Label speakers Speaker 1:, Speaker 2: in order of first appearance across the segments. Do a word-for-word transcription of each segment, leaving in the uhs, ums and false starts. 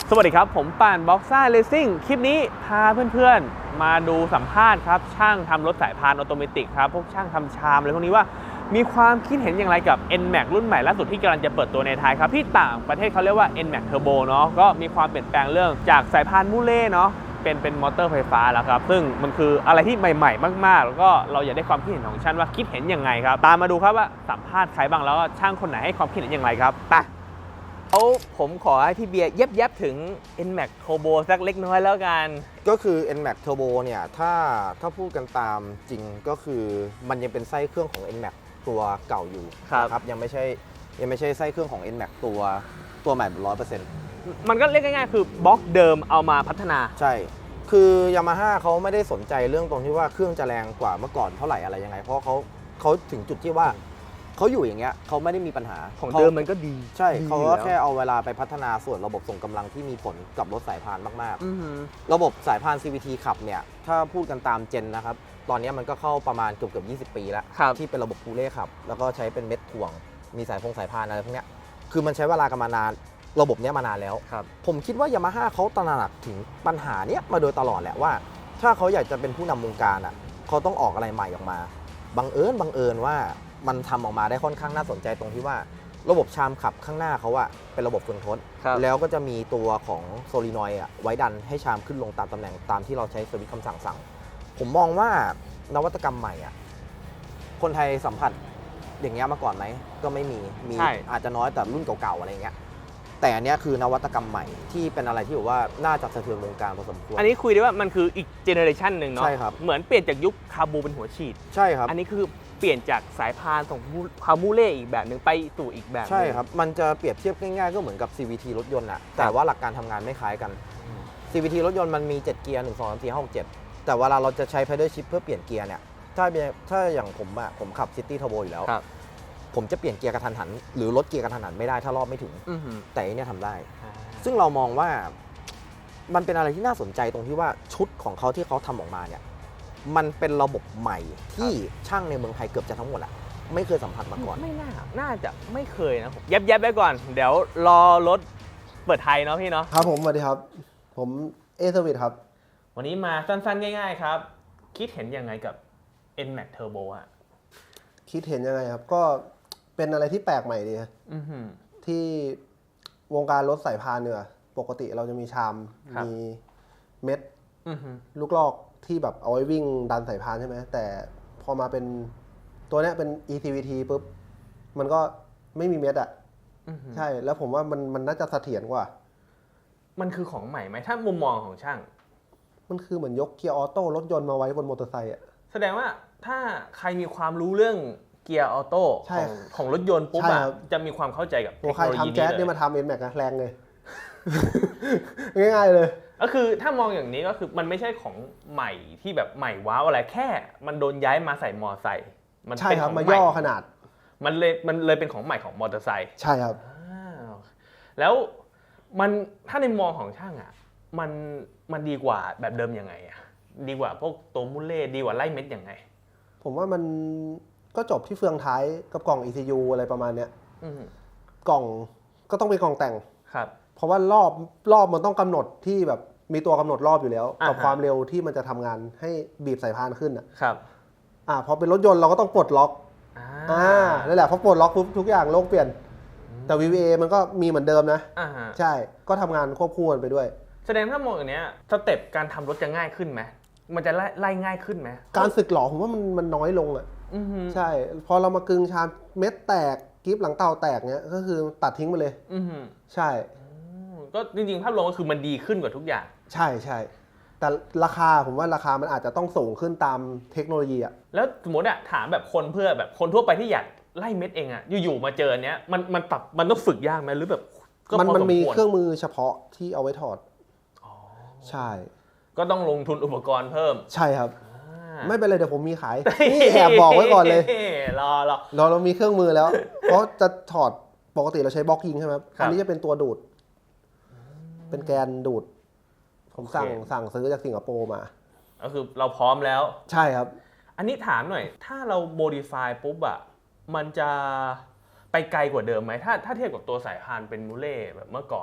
Speaker 1: สวัสดีครับผมป่านบ็อกซ่าเรซิ่งคลิปนี้พาเพื่อนๆมาดูสัมภาษณ์ครับช่างทำรถสายพานออโตเมติกครับพวกช่างทำชามอะไรพวกนี้ว่ามีความคิดเห็นอย่างไรกับ เอ็น แม็กซ์ รุ่นใหม่ล่าสุดที่กำลังจะเปิดตัวในไทยครับที่ต่างประเทศเขาเรียกว่า เอ็น แม็กซ์ Turbo เนาะก็มีความเปลี่ยนแปลงเรื่องจากสายพานมูเล่เนาะเป็นเป็นมอเตอร์ไฟฟ้าแล้วครับซึ่งมันคืออะไรที่ใหม่ๆมากๆแล้วก็เราอยากได้ความคิดเห็นของช่างว่าคิดเห็นยังไงครับตามมาดูครับว่าสัมภาษณ์ใครบ้างแล้วก็ช่างคนไหนให้ความคิดเห็นอย่างไรครับไปเอาผมขอให้พี่เบียร์เย็บๆถึง เอ็น แม็กซ์ Turbo สักเล็กน้อยแล้วกัน
Speaker 2: ก็คือ เอ็น แม็กซ์ Turbo เนี่ยถ้าถ้าพูดกันตามจริงก็คือมันยังเป็นไส้เครื่องของ เอ็น แม็กซ์ ตัวเก่าอยู่นะครับยังไม่ใช่ยังไม่ใช่ไส้เครื่องของ เอ็น แม็กซ์ ตัวตัวใหม่ ร้อยเปอร์เซ็นต์
Speaker 1: มันก็เรียกง่ายๆคือบล็อกเดิมเอามาพัฒนา
Speaker 2: ใช่คือ Yamaha เขาไม่ได้สนใจเรื่องตรงที่ว่าเครื่องจะแรงกว่าเมื่อก่อนเท่าไหร่อะไรยังไงเพราะเขาเขาถึงจุดที่ว่าเขาอยู่อย่างเงี้ยเขาไม่ได้มีปัญหา
Speaker 1: ของเดิมมันก็ดี
Speaker 2: ใช่เขาก็แค่เอาเวลาไปพัฒนาส่วนระบบส่งกำลังที่มีผลกับรถสายพานมากๆระบบสายพาน ซี วี ที ขับเนี่ยถ้าพูดกันตามเจนนะครับตอนนี้มันก็เข้าประมาณเกือบเกือบยี่สิบปีแล้วที่เป็นระบบพูเล่ขับแล้วก็ใช้เป็นเม็ดถ่วงมีสายพงสายพานอะไรพวกเนี้ยคือมันใช้เวลากันมานานระบบนี้มานานแล้วผมคิดว่า Yamaha เขาตระหนักถึงปัญหาเนี้ยมาโดยตลอดแหละว่าถ้าเขาอยากจะเป็นผู้นำวงการอ่ะเขาต้องออกอะไรใหม่ออกมาบังเอิญบังเอิญว่ามันทำออกมาได้ค่อนข้างน่าสนใจตรงที่ว่าระบบชามขับข้างหน้าเขาอะเป็นระบบเฟืองทดแล้วก็จะมีตัวของโซลีนอยด์อะไว้ดันให้ชามขึ้นลงตามตำแหน่งตามที่เราใช้สวิตช์คำสั่งสั่งผมมองว่านวัตกรรมใหม่อะคนไทยสัมผัสอย่างเงี้ยมาก่อนไหมก็ไม่มีมีอาจจะน้อยแต่รุ่นเก่าๆอะไรเงี้ยแต่อันนี้คือนวัตกรรมใหม่ที่เป็นอะไรที่แบบว่าน่าจะสะเทือนวงการพอสมควร
Speaker 1: อันนี้คุยได้ว่ามันคืออีกเจเนอเรชันหนึ่งเนาะ
Speaker 2: ใช่ครับ
Speaker 1: เหมือนเปลี่ยนจากยุคคาบูเป็นหัวฉีด
Speaker 2: ใช่ครับ
Speaker 1: อันนี้คือเปลี่ยนจากสายพานของคาบูเล่อีกแบบหนึ่งไปสู่อีกแบบ
Speaker 2: ใช่ครับมันจะเปรียบเทียบง่ายๆก็เหมือนกับ ซี วี ที รถยนต์อะแต่ว่าหลักการทำงานไม่คล้ายกัน ซี วี ที รถยนต์มันมีเจ็ดเกียร์หนึ่ง สอง สาม สี่ ห้า หก เจ็ดแต่เวลาเราจะใช้ Pedal Shift เพื่อเปลี่ยนเกียร์เนี่ยถ้าถ้าอย่างผมอะผมขับ City Turbo อยู่แล้วผมจะเปลี่ยนเกียร์กระทันหันหรือลดเกียร์กระทันหันไม่ได้ถ้ารอบไม่ถึงแต่อันนี้ทำได้ซึ่งเรามองว่ามันเป็นอะไรที่น่าสนใจตรงที่ว่าชุดของเขาที่เขาทำออกมาเนี่ยมันเป็นระบบใหม่ที่ช่างในเมืองไทยเกือบจะทั้งหมดอะไม่เคยสัมผัสมาก่อน
Speaker 1: ไม่น่าน่าจะไม่เคยนะผมแยบๆไว้ก่อนเดี๋ยวรอรถเปิดไทยเนาะพี่เนาะ
Speaker 3: ครับผมสวัสดีครับผมเอเซอร์วิสครับ
Speaker 1: วันนี้มาสั้นๆง่ายๆครับคิดเห็นยังไงกับ เอ็น แม็กซ์ Turbo อะ
Speaker 3: คิดเห็นยังไงครับก็เป็นอะไรที่แปลกใหม่ดีที่วงการรถสายพานเนี่ยปกติเราจะมีชามมีเม็ดลูกลอกที่แบบเอาไว้วิ่งดันสายพานใช่ไหมแต่พอมาเป็นตัวเนี้ยเป็น อี ซี วี ที ปุ๊บมันก็ไม่มีเม็ดอ่ะใช่แล้วผมว่ามันมันน่าจะเสถียรกว่า
Speaker 1: มันคือของใหม่ไหมถ้ามุมมองของช่าง
Speaker 3: มันคือเหมือนยกเกียร์ออโต้รถยนต์มาไว้บนมอเตอร์ไซค์อ่ะ
Speaker 1: แสดงว่าถ้าใครมีความรู้เรื่องเกียร์ออโต้ของของรถยนต์ปุ๊บอะจะมีความเข้าใจกับเทคโนโลยีนี้เลยใครทำ
Speaker 3: แจ๊สเนี่ยมาทำเอ็นแม็กแรงเลยง่ายๆเลย
Speaker 1: ก็คือถ้ามองอย่างนี้ก็คือมันไม่ใช่ของใหม่ที่แบบใหม่ว้าวอะไรแค่มันโดนย้ายมาใส่มอเตอร์ไซค์
Speaker 3: มันเป็นของมาย่อขนาด
Speaker 1: มันเลยมันเลยเป็นของใหม่ของมอเตอร์ไซค์
Speaker 3: ใช่ครับ
Speaker 1: แล้วมันถ้าในมองของช่างอ่ะมันมันดีกว่าแบบเดิมยังไงอ่ะดีกว่าพวกตัวมูเล่ดีกว่าไล่เม็ดยังไง
Speaker 3: ผมว่ามันก็จบที่เฟืองท้ายกับกล่อง อี ซี ยู อะไรประมาณเนี้ยกล่องก็ต้องเป็นกล่องแต่ง
Speaker 1: ครับ
Speaker 3: เพราะว่ารอบรอบมันต้องกำหนดที่แบบมีตัวกำหนดรอบอยู่แล้วกับความเร็วที่มันจะทำงานให้บีบสายพานขึ้นอ่ะ
Speaker 1: ครับ
Speaker 3: อ่าพอเป็นรถยนต์เราก็ต้องปลดล็อกอ่านั่นแหละพอปลดล็อกปุ๊บทุกอย่างโลกเปลี่ยนแต่ วี วี เอ มันก็มีเหมือนเดิมนะใช่ก็ทำงานควบคู่กันไปด้วย
Speaker 1: แสดงถ้ามองอย่างนี้สเต็ปการทำรถจะง่ายขึ้นไหมมันจะไล่ไล่ง่ายขึ้นไหม
Speaker 3: การสึกหล่อผมว่ามันมันน้อยลงอ่ะใช่พอเรามากึงชามเม็ดแตกกิ๊บหลังเตาแตกเนี้ยก็คือตัดทิ้งไปเลยใช่
Speaker 1: ก็จริงๆภาพรวมก็คือมันดีขึ้นกว่าทุกอย่าง
Speaker 3: ใช่ใช่แต่ราคาผมว่าราคามันอาจจะต้องสูงขึ้นตามเทคโนโลยีอ่ะ
Speaker 1: แล้วสมมติอะถามแบบคนเพื่อแบบคนทั่วไปที่อยากไล่เม็ดเองอะอยู่ๆมาเจอเนี้ยมันมันปรับมันต้องฝึกยากไหมหรือแบบ
Speaker 3: มันมันมีเครื่องมือเฉพาะที่เอาไว้ถอดใช่
Speaker 1: ก็ต้องลงทุนอุปกรณ์เพิ่ม
Speaker 3: ใช่ครับไม่เป็นไรเดี๋ยวผมมีขายนี่แอบบอกไว้ก่อนเลย
Speaker 1: รอรอ
Speaker 3: เราเรามีเครื่องมือแล้วเพราะจะถอดปกติเราใช้บล็อกยิงใช่ไหมอันนี้จะเป็นตัวดูดเป็นแกนดูดผมสั่งสั่งซื้อจากสิงคโปร์มา
Speaker 1: ก็คือเราพร้อมแล้ว
Speaker 3: ใช่ครับ
Speaker 1: อันนี้ถามหน่อยถ้าเราโมดิฟายปุ๊บอะมันจะไปไกลกว่าเดิมไหมถ้าถ้าเทียบกับตัวสายพานเป็นมูเล่แบบเมื่อก่อน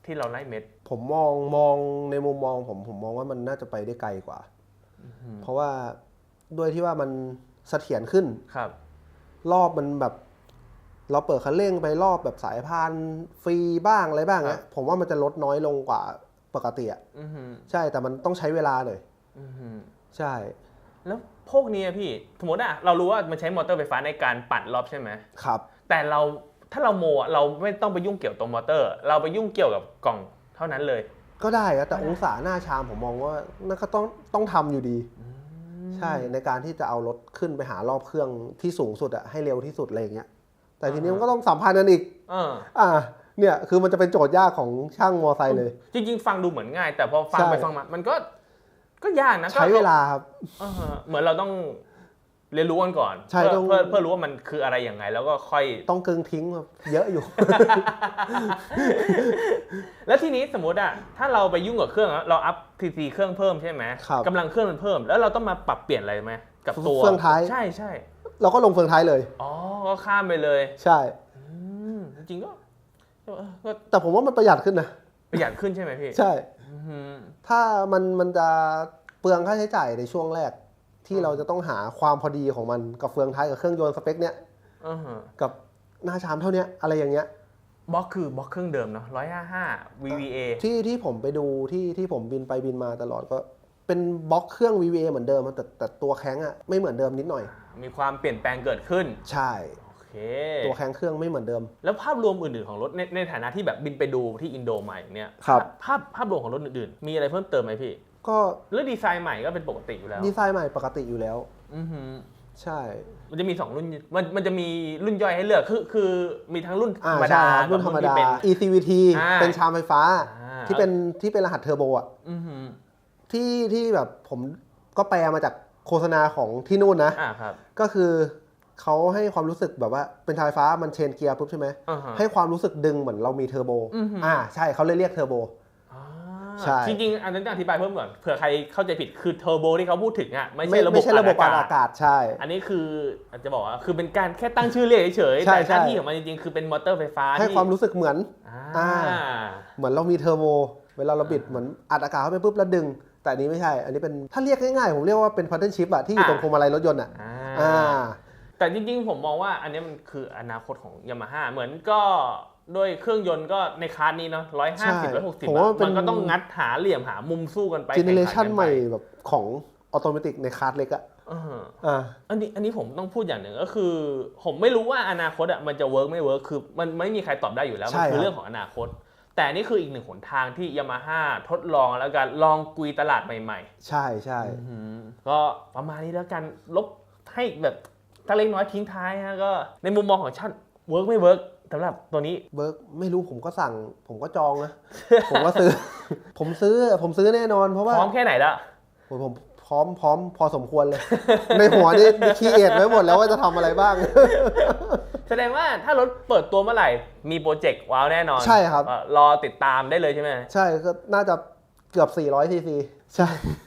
Speaker 1: ที่เราไล่เม็ด
Speaker 3: ผมมองมองในมุมมองผมผมมองว่ามันน่าจะไปได้ไกลกว่าเพราะว่าด้วยที่ว่ามันเสถียรขึ้น
Speaker 1: ครับ
Speaker 3: รอบมันแบบเราเปิดคันเร่งไปรอบแบบสายพานฟรีบ้างอะไรบ้างเนี้ยผมว่ามันจะลดน้อยลงกว่าปกติอ่ะใช่แต่มันต้องใช้เวลาหน่อยใช่
Speaker 1: แล้วพวกนี้พี่สมมติอะเรารู้ว่ามันใช้มอเตอร์ไฟฟ้าในการปั่นรอบใช่ไหม
Speaker 3: ครับ
Speaker 1: แต่เราถ้าเราโมเราไม่ต้องไปยุ่งเกี่ยวกับตัวมอเตอร์เราไปยุ่งเกี่ยวกับกล่องเท่านั้นเลย
Speaker 3: ก็ได้ครับแต่องศาหน้าชามผมมองว่านั่นก็ต้องต้องทำอยู่ดีใช่ในการที่จะเอารถขึ้นไปหารอบเครื่องที่สูงสุดอะให้เร็วที่สุดอะไรอย่างเงี้ยแต่ทีนี้มันก็ต้องสัมพันธ์กันอีกอ่าเนี่ยคือมันจะเป็นโจทย์ยากของช่างมอไซค์เลย
Speaker 1: จริงๆฟังดูเหมือนง่ายแต่พอฟังไปฟังมามันก็ก็ยากนะ
Speaker 3: ใช้เวลาครับ
Speaker 1: เหมือนเราต้องเรียนรู้กันก่อน
Speaker 3: เพื่อ
Speaker 1: เพื่อเพื่อรู้ว่ามันคืออะไรอย่างไงแล้วก็ค่อย
Speaker 3: ต้องกึ่งทิ้งเยอะอยู่
Speaker 1: แล้วทีนี้สมมติอะถ้าเราไปยุ่งกับเครื่องเราอัพทีซีเครื่องเพิ่มใช่ไหมกำลังเครื่องมันเพิ่มแล้วเราต้องมาปรับเปลี่ยนอะไรไหมกับตัว
Speaker 3: เฟืองท้าย
Speaker 1: ใช่ใช่
Speaker 3: เราก็ลงเฟืองท้ายเลย
Speaker 1: อ๋อก็ข้ามไปเลย
Speaker 3: ใช่
Speaker 1: จริงก็
Speaker 3: แต่ผมว่ามันประหยัดขึ้นนะ
Speaker 1: ประหยัดขึ้นใช่ไหมพี่
Speaker 3: ใช่ถ้ามันมันจะเปลืองค่าใช้จ่ายในช่วงแรกที่เราจะต้องหาความพอดีของมันกับเฟืองท้ายกับเครื่องยนต์สเปคเนี้ยกับหน้าชามเท่านี้อะไรอย่างเงี้ย
Speaker 1: บล็อกคือบล็อกเครื่องเดิมเนาะหนึ่งร้อยห้าสิบห้า วี วี เอ
Speaker 3: ที่ที่ผมไปดูที่ที่ผมบินไปบินมาตลอดก็เป็นบล็อกเครื่อง วี วี เอ เหมือนเดิมแต่แต่ตัวแข้งอะไม่เหมือนเดิมนิดหน่อย
Speaker 1: มีความเปลี่ยนแปลงเกิดขึ้น
Speaker 3: ใช่
Speaker 1: โอเค
Speaker 3: ตัวแข้งเครื่องไม่เหมือนเดิม
Speaker 1: แล้วภาพรวมอื่นๆของรถในในฐานะที่แบบบินไปดูที่อินโดมาอย่างเนี้ยภาพภาพรวมของรถอื่นๆมีอะไรเพิ่มเติมไหมพี่
Speaker 3: ก็
Speaker 1: เรื่องดีไซน์ใหม่ก็เป็นปกติอยู่แล้ว
Speaker 3: ดีไซน์ใหม่ปกติอยู่แล้ว
Speaker 1: อือฮึ
Speaker 3: ใช่
Speaker 1: มันจะมีสองรุ่นมันมันจะมีรุ่นย่อยให้เลือกคือคือมีทั้งรุ่นธรรมดา
Speaker 3: รุ่นธรรมดา อี ซี วี ที เป็นชามไฟฟ้าที่เป็นที่เป็นรหัสเทอร์โบอ่ะที่ที่แบบผมก็แปลมาจากโฆษณาของที่นู่นนะก็คือเขาให้ความรู้สึกแบบว่าเป็นชามไฟฟ้ามันเชนเกียร์ปุ๊บใช่ไหมให้ความรู้สึกดึงเหมือนเรามีเทอร์โบอ่าใช่เขาเลยเรียกเทอร์โบ
Speaker 1: จริงๆอันนั้นต้องอธิบายเพิ่มก่อนเผื่อใครเข้าใจผิดคือเทอร์โบที่เขาพูดถึงอ่ะไม่ใช่ระบบ
Speaker 3: ไม่ใช่ระบบอากาศใช่
Speaker 1: อันนี้คืออาจจะบอกว่าคือเป็นการแค่ตั้งชื่อเรียกเฉยๆแต่หน้าที่ของมันจริงๆคือเป็นมอเตอร์ไฟฟ้า
Speaker 3: ให้ความรู้สึกเหมือนอ่าเหมือนเรามีเทอร์โบเวลาเราบิดเหมือนอัดอากาศเข้าไปปุ๊บแล้วดึงแต่อันนี้ไม่ใช่อันนี้เป็นถ้าเรียกง่ายๆผมเรียกว่าเป็นพัตเทิลชิพอะที่อยู่ตรงพวงมาลัยรถยนต์อะอ่า
Speaker 1: แต่จริงๆผมมองว่าอันนี้มันคืออนาคตของ Yamaha เหมือนก็ด้วยเครื่องยนต์ก็ในคลาสนี้เนาะหนึ่งร้อยห้าสิบ หนึ่งร้อยหกสิบมันก็ต้องงัดหาเหลี่ยมหามุมสู้กันไป
Speaker 3: เจเนเรชันใหม่แบบของออโตเมติกในคลาสเล็กอะ
Speaker 1: อ่าอันนี้อันนี้ผมต้องพูดอย่างหนึ่งก็คือผมไม่รู้ว่าอนาคตอะมันจะเวิร์กไม่เวิร์กคือมันไม่มีใครตอบได้อยู่แล้วมันคือเรื่องของอนาคตแต่นี่คืออีกหนึ่งหนทางที่ Yamaha ทดลองแล้วกันลองกุยตลาดใหม่
Speaker 3: ๆใช่ใช่
Speaker 1: ก็ประมาณนี้แล้วกันลบให้แบบถ้าเล็กน้อยทิ้งท้ายฮะก็ในมุมมองของช่างเวิร์กไม่เวิร์กสำหรับตัวนี้
Speaker 3: เวิร์กไม่รู้ผมก็สั่งผมก็จองนะ ผมก็ซื้อ ผมซื้อผมซื้อแน่นอนเพราะว่า
Speaker 1: พร้อมแค่ไหนละ
Speaker 3: ผมผมพร้อมพร้อมพอสมควรเลย ในหัวนี่คีเอทไว้หมดแล้วว่าจะทำอะไรบ้าง
Speaker 1: แสดงว่าถ้ารถเปิดตัวเมื่อไหร่มีโปรเจกต์ว้าวแน่นอน
Speaker 3: ใช่ครับ
Speaker 1: รอติดตามได้เลยใช่ไหม
Speaker 3: ใช่ก็น่าจะเกือบสี่ร้อยซีซีใช่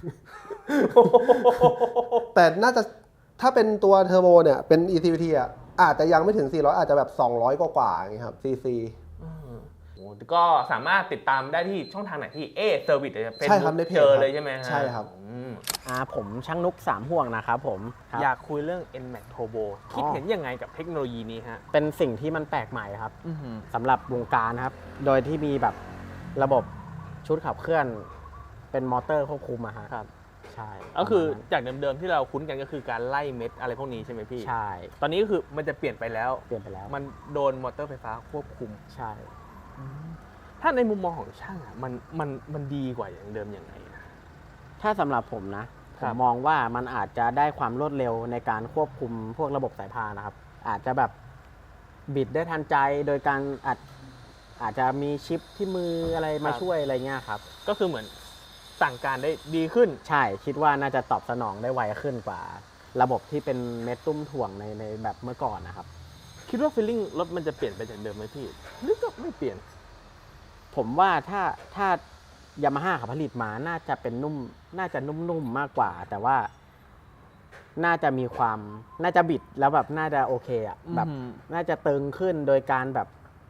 Speaker 3: แต่น่าจะถ้าเป็นตัวเทอร์โบเนี่ยเป็น อี ซี วี ที อ่ะอาจจะยังไม่ถึงสี่ร้อยอาจจะแบบสองร้อยกว่าๆอย่างงี้ครับซีซี
Speaker 1: ก็สามารถติดตามได้ที่ช่องทางไหนที่เอเซอร์วิสเลย
Speaker 3: ใช่ครับในเพจ
Speaker 1: เจอเลยใช่ไหม
Speaker 3: ใช่ครับ
Speaker 4: อ่าผมช่างนุกสามห่วงนะครับผม
Speaker 1: อยากคุยเรื่อง เอ็น แม็ก Turbo คิดเห็นยังไงกับเทคโนโลยีนี้ฮะ
Speaker 4: เป็นสิ่งที่มันแปลกใหม่ครับสำหรับวงการนะครับโดยที่มีแบบระบบชุดขับเคลื่อนเป็นมอเตอร์ควบคุมอะครับใช่
Speaker 1: ก็คือจากเดิมๆที่เราคุ้นกันก็คือการไล่เม็ดอะไรพวกนี้ใช่ไหมพี่
Speaker 4: ใช่
Speaker 1: ตอนนี้ก็คือมันจะเปลี่ยนไปแล้ว
Speaker 4: เปลี่ยนไปแล้ว
Speaker 1: มันโดนมอเตอร์ไฟฟ้าควบคุม
Speaker 4: ใช่
Speaker 1: ถ้าในมุมมองของช่างอ่ะมันมันมันดีกว่าอย่างเดิมยังไงนะ
Speaker 4: ถ้าสำหรับผมนะผมมองว่ามันอาจจะได้ความรวดเร็วในการควบคุมพวกระบบสายพานนะครับอาจจะแบบบิดได้ทันใจโดยการอาจอาจจะมีชิปที่มืออะไรมาช่วยอะไรเงี้ยครับ
Speaker 1: ก็คือเหมือนสั่งการได้ดีขึ้น
Speaker 4: ใช่คิดว่าน่าจะตอบสนองได้ไวขึ้นกว่าระบบที่เป็นเม็ดตุ้มถ่วงในในแบบเมื่อก่อนนะครับ
Speaker 1: คิดว่าฟีลลิ่งรถมันจะเปลี่ยนไปจากเดิมไหมพี่หรือก็ไม่เปลี่ยน
Speaker 4: ผมว่าถ้าถ้ายามาฮ่าเขาผลิตมาน่าจะเป็นนุ่มน่าจะนุ่มๆมากกว่าแต่ว่าน่าจะมีความน่าจะบิดแล้วแบบน่าจะโอเคอ่ะแบบน่าจะตึงขึ้นโดยการแบบ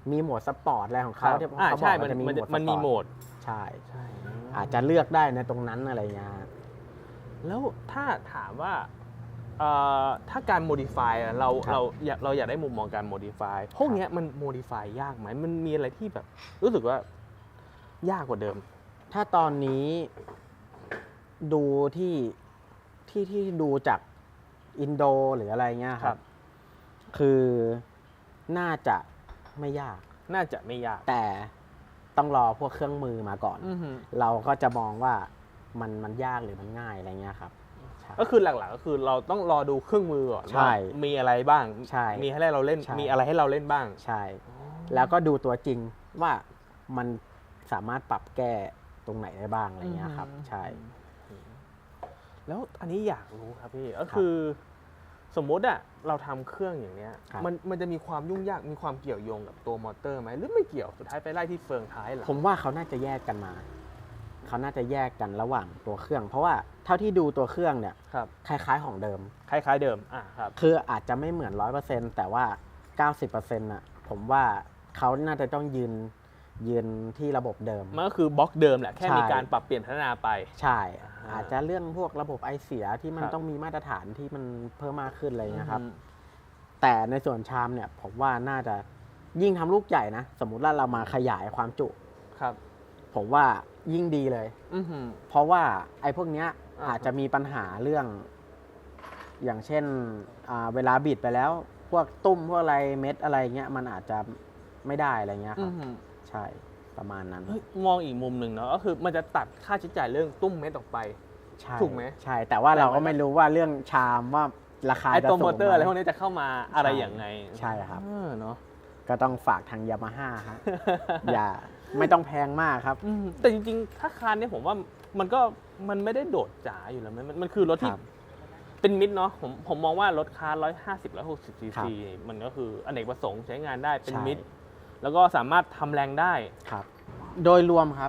Speaker 4: มีโหมดสปอร์ตอะไรของเขาที่
Speaker 1: อ่า
Speaker 4: เขาบ
Speaker 1: ใช่
Speaker 4: อก
Speaker 1: มัน
Speaker 4: จะมี
Speaker 1: มัน
Speaker 4: โหมด
Speaker 1: มันมี
Speaker 4: สป
Speaker 1: โหม
Speaker 4: อร์ต
Speaker 1: ด
Speaker 4: ใช่
Speaker 1: ใช่
Speaker 4: อาจจะเลือกได้ในตรงนั้นอะไรเงี้ย
Speaker 1: แล้วถ้าถามว่าเอ่อถ้าการ modify อะเรา
Speaker 4: ครับ
Speaker 1: เราอยากเราอยากได้มุมมองการ modify พวกเนี้ยมัน modify ยากไหมมันมีอะไรที่แบบรู้สึกว่ายากกว่าเดิม
Speaker 4: ถ้าตอนนี้ดูที่ที่ที่ดูจากอินโดหรืออะไรเงี้ยค
Speaker 1: ครั
Speaker 4: รับ บ คือน่าจะไม่ยาก
Speaker 1: น่าจะไม่ยาก
Speaker 4: แต่ต้องรอพวกเครื่องมือมาก่อน
Speaker 1: อือฮึ
Speaker 4: เราก็จะมองว่ามันมันยากหรือมันง่ายอะไรเงี้ยครับใช่
Speaker 1: ก็คือหลักๆก็คือเราต้องรอดูเครื่องมือก่อน
Speaker 4: ใช่
Speaker 1: ว่ามีอะไรบ้าง
Speaker 4: ใช่
Speaker 1: มีให้เราเล่น
Speaker 4: ใช่
Speaker 1: มีอะไรให้เราเล่นบ้าง
Speaker 4: ใช่ แล้วก็ดูตัวจริงว่ามันสามารถปรับแก้ตรงไหนได้บ้างอะไรเงี้ยครับ
Speaker 1: อืม
Speaker 4: ใช่
Speaker 1: แล้วอันนี้อยากรู้ครับพี่ก็คือสมมติอะเราทำเครื่องอย่างเนี้ย
Speaker 4: ครับ
Speaker 1: มันมันจะมีความยุ่งยากมีความเกี่ยวโยงกับตัวมอเตอร์ไหมหรือไม่เกี่ยวสุดท้ายไปไล่ที่เฟืองท้ายเหรอ
Speaker 4: ผมว่าเขาน่าจะแยกกันมา เขาน่าจะแยกกันระหว่างตัวเครื่อง เพราะว่าเท่าที่ดูตัวเครื่องเนี่ย
Speaker 1: ครับ
Speaker 4: คล้ายๆของเดิม
Speaker 1: คล้ายๆเดิมอ่ะครับ
Speaker 4: คืออาจจะไม่เหมือนร้อยเปอร์เซ็นต์แต่ว่าเก้าสิบเปอร์เซ็นต์น่ะผมว่าเขาน่าจะต้องยืนยืนที่ระบบเดิม
Speaker 1: มันก็คือบล็อกเดิมแหละแค่
Speaker 4: ใช่
Speaker 1: มีการปรับเปลี่ยนพัฒนาไป
Speaker 4: ใช่
Speaker 1: อ่า
Speaker 4: อาจจะเรื่องพวกระบบไอเสียที่มัน
Speaker 1: ครับ
Speaker 4: ต้องมีมาตรฐานที่มันเพิ่มมากขึ้นอะไรอย่างเงี้ยครับ
Speaker 1: อืม
Speaker 4: แต่ในส่วนชามเนี่ยผมว่าน่าจะยิ่งทำลูกใหญ่นะ สมมุติว่าเรามาขยายความจุ
Speaker 1: ครับ
Speaker 4: ผมว่ายิ่งดีเลย
Speaker 1: อือหือ
Speaker 4: เพราะว่าไอ้พวกเนี้ย
Speaker 1: อ่า
Speaker 4: อาจจะมีปัญหาเรื่อง อย่างเช่นอ่าเวลาบิดไปแล้ว พวกตุ้มพวกอะไรเม็ดอะไรเงี้ยมันอาจจะไม่ได้อะไรเงี้ยค
Speaker 1: อื
Speaker 4: รับ
Speaker 1: อหือ
Speaker 4: ใช่ประมาณนั้น
Speaker 1: เฮ้ยมองอีกมุมหนึ่งเนาะก็คือมันจะตัดค่าใช้จ่ายเรื่องตุ้มเม็ดออกไป
Speaker 4: ใช่
Speaker 1: ถูกไหม
Speaker 4: ใช่ แต่ว่าเราก็ไม่รู้ว่าเรื่องชามว่าราคา
Speaker 1: ไอ้
Speaker 4: จะ
Speaker 1: ตัว
Speaker 4: สู
Speaker 1: ม
Speaker 4: ง
Speaker 1: อเตอร์
Speaker 4: ไห
Speaker 1: อะไรพวกนี้จะเข้ามาอะไร
Speaker 4: ใช่
Speaker 1: อย่างไง
Speaker 4: ใช่ครับ
Speaker 1: เออเนาะ
Speaker 4: ก็ต้องฝากทางยามาฮ่าฮะ อย่าไม่ต้องแพงมากครับ
Speaker 1: อืมแต่จริงๆ ถ้าคานเนี่ยผมว่ามันก็มันไม่ได้โดดจ๋าอยู่แล้วมันมันมันคือรถที่
Speaker 4: ครับ
Speaker 1: เป็นมิดเนาะผมผมมองว่ารถคาร์ร้อยห้าสิบร้อยหกสิบซี
Speaker 4: ครับ
Speaker 1: ซีมันก็คืออเนกประสงค์ใช้งานได้เป็น
Speaker 4: ใช่
Speaker 1: มิดแล้วก็สามารถทำแรงได้
Speaker 4: ครับ โดยรวมครับ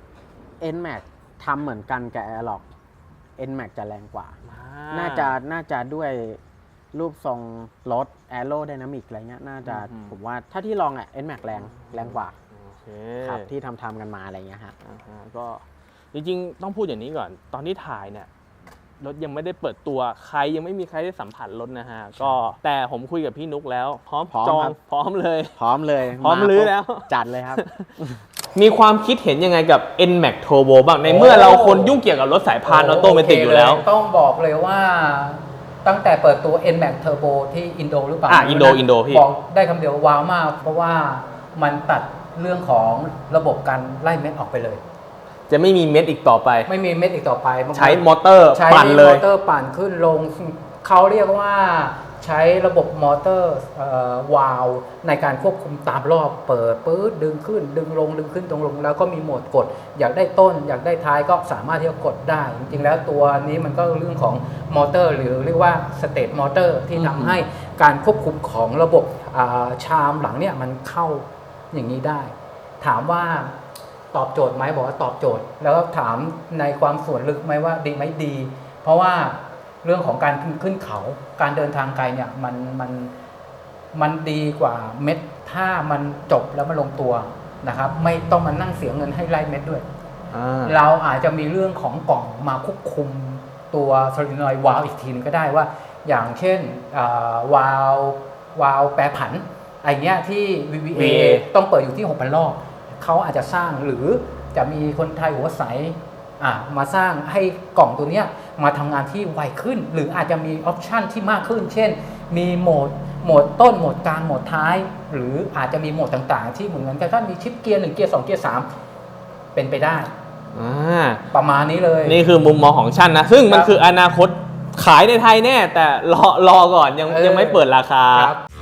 Speaker 4: N Max ทำเหมือนกันกับ Airlock N Max จะแรงกว่า น่าจะน่าจะด้วยรูปทรงรถ Aerodynamic อะไรเงี้ยน่าจะ
Speaker 1: อืม
Speaker 4: ผมว่าถ้าที่ลองอ่ะ N Max แรงแรงกว่า
Speaker 1: โอเค
Speaker 4: ครับที่ทำทำกันมาอะไรเงี้ยฮะ
Speaker 1: อ่าฮะก็จริงๆ ต้องพูดอย่างนี้ก่อน ตอนที่ถ่ายเนี่ยรถยังไม่ได้เปิดตัวใครยังไม่มีใครได้สัมผัสรถนะฮะก็แต่ผมคุยกับพี่นุกแล้ว พร้อม
Speaker 4: พร้อม
Speaker 1: จอ
Speaker 4: ค
Speaker 1: ง
Speaker 4: รับ
Speaker 1: พร้อมเลย
Speaker 4: พร้อมเลย
Speaker 1: พร้อม
Speaker 4: า
Speaker 1: ลื้อ
Speaker 4: ปุ๊บ
Speaker 1: แล้ว
Speaker 4: จัดเลยครับ
Speaker 1: มีความคิดเห็นยังไงกับ N Max Turbo บ้างในเมื่อเราคนยุ่งเกี่ยวกับรถสายพานออโตเมติกอยู่แล้ว
Speaker 5: โเคเต้องบอกเลยว่าตั้งแต่เปิดตัว N Max Turbo ที่อินโดหรือเปล่า
Speaker 1: อ่ะ
Speaker 5: ไม่รู้
Speaker 1: อินโด
Speaker 5: นะ
Speaker 1: อินโดพี่
Speaker 5: บอกได้คำเดียวว้าวมาก เพราะว่ามันตัดเรื่องของระบบการไล่เม็ดออกไปเลย
Speaker 1: จะไม่มีเม็ดอีกต่อไป
Speaker 5: ไม่มีเม็ดอีกต่อไป
Speaker 1: ใช้มอเตอร์
Speaker 5: ใช้
Speaker 1: ปั่นเลย
Speaker 5: มอเตอร์ปั่นขึ้นลงเขาเรียกว่าใช้ระบบมอเตอร์เอ่อวาล์วในการควบคุมตามรอบเปิดปื๊ดดึงขึ้น ดึงลงดึงขึ้นตรงลงแล้วก็มีโหมดกด อยากได้ต้น อยากได้ท้ายก็สามารถที่จะกดได้ จริงๆแล้วตัวนี้มันก็เรื่องของมอเตอร์ หรือเรียกว่าสเตตมอเตอร์ที่ทำให้การควบคุมของระบบอ่าชามหลังเนี่ยมันเข้าอย่างนี้ได้ ถามว่าตอบโจทย์ไหมบอกว่าตอบโจทย์ แล้วก็ถามในความส่วนลึกไหมว่าดีไหมดี เพราะว่าเรื่องของการขึ้นเขาการเดินทางไกลเนี่ยมันมันมันดีกว่าเม็ดถ้ามันจบแล้วมันลงตัวนะครับ ไม่ต้องมานั่งเสียเงินให้ไล่เม็ดด้วย เราอาจจะมีเรื่องของกล่องมาควบคุมตัวโซลินอยด์วาล์วอีกทีนึงก็ได้ว่า อย่างเช่นวาล์ววาล์วแปรผันไอเนี้ยที่ วี วี เอ ต้องเปิดอยู่ที่ หกพัน รอบเขาอาจจะสร้างหรือจะมีคนไทยหัวใสอ่ะมาสร้างให้กล่องตัวเนี้ยมาทำงานที่ไวขึ้น หรืออาจจะมีออปชันที่มากขึ้น เช่น มีโหมดโหมดต้นโหมดกลางโหมดท้าย หรืออาจจะมีโหมดต่างๆ ที่เหมือนกันถ้ามีชิปเกียร์หนึ่งเกียร์สองเกียร์สามเป็นไปได้
Speaker 1: อ่า
Speaker 5: ประมาณนี้เลย
Speaker 1: นี่คือมุมมองของชั่นนะ ซึ่งมัน
Speaker 5: ครับ
Speaker 1: คืออนาคตขายในไทยแน่ แต่รอรอก่อนยัง
Speaker 5: เออ
Speaker 1: ยังไม่เปิดราคา
Speaker 5: ครับ